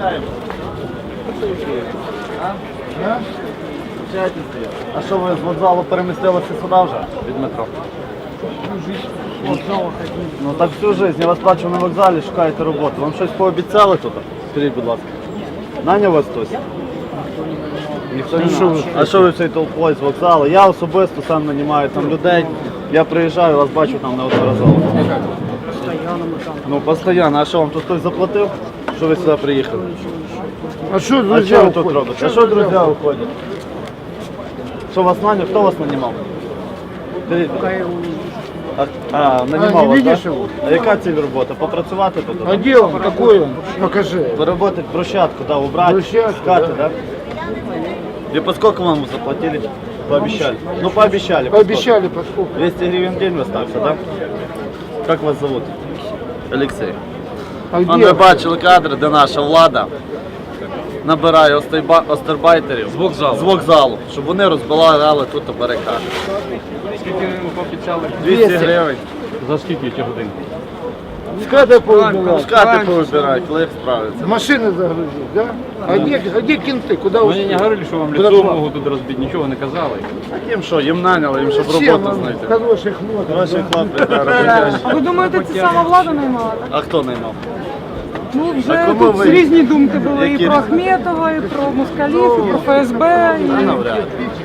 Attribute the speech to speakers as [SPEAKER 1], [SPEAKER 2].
[SPEAKER 1] А що ви з вокзалу перемістилися сюди вже від метро? Ну так всю життя. Я вас бачу на вокзалі, шукаєте роботу. Вам щось пообіцяли тут? Скажіть, будь ласка. Наняв вас хтось? Ніхто не знає. А що ви всі толпою з вокзалу? Я особисто сам нанімаю там людей. Я приїжджаю, вас бачу там неодноразово. Ну, постійно. А що, вам тут хтось заплатив? Що ви сюди приїхали?
[SPEAKER 2] А что
[SPEAKER 1] А
[SPEAKER 2] друзья
[SPEAKER 1] що ви тут
[SPEAKER 2] уходят?
[SPEAKER 1] робите? А що друзі уходять? Що вас наняв? Хто вас нанімав? Скажіть. Нанімав
[SPEAKER 2] не
[SPEAKER 1] вас,
[SPEAKER 2] видиш
[SPEAKER 1] так?
[SPEAKER 2] його?
[SPEAKER 1] А яка ціль роботи? Попрацювати тут?
[SPEAKER 2] А где он? Какой он? Покажи.
[SPEAKER 1] Поработать брусчатку, да, убрать,
[SPEAKER 2] Брусчатку,
[SPEAKER 1] скаты,
[SPEAKER 2] да.
[SPEAKER 1] да? И по сколько вам заплатили? Пообещали? Ну, пообещали.
[SPEAKER 2] Пообещали по сколько?
[SPEAKER 1] 200 гривен в день в остався, да? Как вас зовут? Олексій.
[SPEAKER 2] А где?
[SPEAKER 1] Ми бачили кадри, де наша влада набирає остербайтерів з вокзалу, щоб вони розбирали тут барикади.
[SPEAKER 3] Скільки ви пообіцяли?
[SPEAKER 1] 200 гривень.
[SPEAKER 3] За скільки ці годин?
[SPEAKER 2] Скаты поубирать.
[SPEAKER 1] Скати повибирають, коли їх справляться.
[SPEAKER 2] Машины загрузить, да? А где кенты? Куда
[SPEAKER 3] Мені не говорили, що вам лицо можуть тут розбити, нічого не казали.
[SPEAKER 1] А їм що, їм наняли, їм щоб роботу знайти.
[SPEAKER 2] Хороших хлопців.
[SPEAKER 1] Хороші хлопці, да, роботящі.
[SPEAKER 4] А ви думаєте, це сама влада наймала? Так?
[SPEAKER 1] А хто наймав?
[SPEAKER 4] Ну,
[SPEAKER 1] А
[SPEAKER 4] вже
[SPEAKER 1] кому
[SPEAKER 4] тут
[SPEAKER 1] ви?
[SPEAKER 4] різні думки були
[SPEAKER 1] Які
[SPEAKER 4] і про
[SPEAKER 1] різні?
[SPEAKER 4] Ахметова, і про москалів, і про ФСБ.
[SPEAKER 1] А
[SPEAKER 4] І...
[SPEAKER 1] навряд.